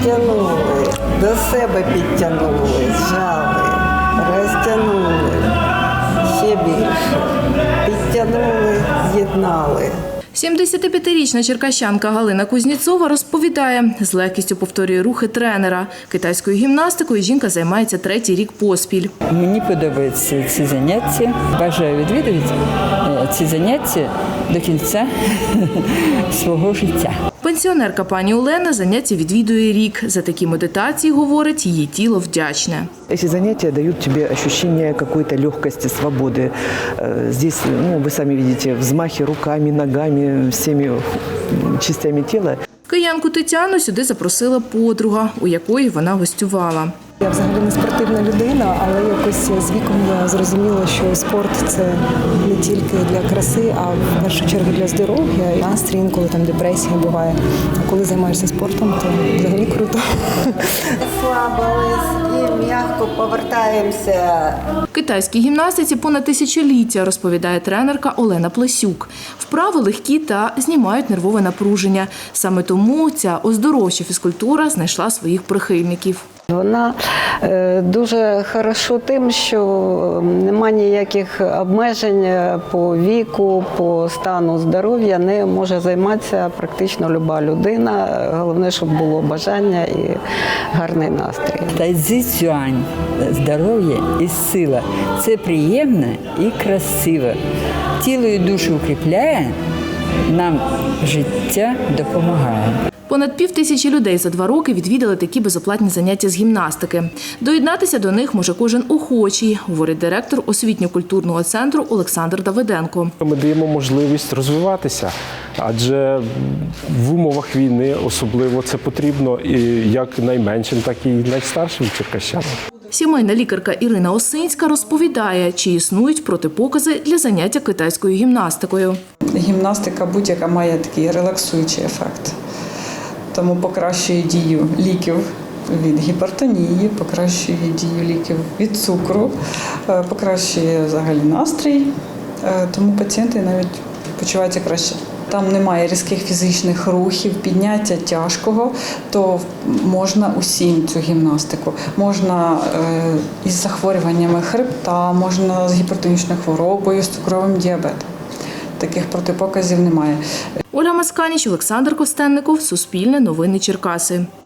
Розтягнули, до себе підтягнули, зжали, розтягнули, ще більше, підтягнули, з'єднали. 75-річна черкащанка Галина Кузніцова розповідає, з легкістю повторює рухи тренера. Китайською гімнастикою жінка займається 3-й рік поспіль. Мені подобаються ці заняття. Бажаю відвідувати ці заняття до кінця свого життя. Пенсіонерка пані Олена заняття відвідує рік. За такі медитації, говорить, її тіло вдячне. Эти занятия дают тебе ощущение какой-то легкости, свободы. Здесь, вы сами видите, взмахи руками, ногами, всеми частями тела. Киянку Тетяну сюди запросила подруга, у якої вона гостювала. Я взагалі не спортивна людина, але якось з віком я зрозуміла, що спорт – це не тільки для краси, а в першу чергу для здоров'я. І настрій, інколи там депресія буває. А коли займаєшся спортом, то взагалі круто. Слабились і м'яко повертаємося. Китайській гімнастиці понад тисячоліття, розповідає тренерка Олена Плесюк. Вправи легкі та знімають нервове напруження. Саме тому ця оздоровча фізкультура знайшла своїх прихильників. Вона дуже хороша тим, що немає ніяких обмежень по віку, по стану здоров'я. Не може займатися практично люба людина. Головне, щоб було бажання і гарний настрій. Тайцзи-цюань – здоров'я і сила. Це приємно і красиво. Тіло і душу укріпляє, нам життя допомагає. Понад 5000 людей за 2 роки відвідали такі безоплатні заняття з гімнастики. Доєднатися до них може кожен охочий, говорить директор освітньо-культурного центру Олександр Давиденко. Ми даємо можливість розвиватися, адже в умовах війни особливо це потрібно і як найменшим, так і найстаршим черкащанам. Сімейна лікарка Ірина Осинська розповідає, чи існують протипокази для заняття китайською гімнастикою. Гімнастика будь-яка має такий релаксуючий ефект. Тому покращує дію ліків від гіпертонії, покращує дію ліків від цукру, покращує взагалі настрій, тому пацієнти навіть почуваються краще. Там немає різких фізичних рухів, підняття тяжкого, то можна усім цю гімнастику. Можна із захворюваннями хребта, можна з гіпертонічною хворобою, з цукровим діабетом. Таких протипоказів немає. Ольга Масканіч, Олександр Костенников, Суспільне новини Черкаси.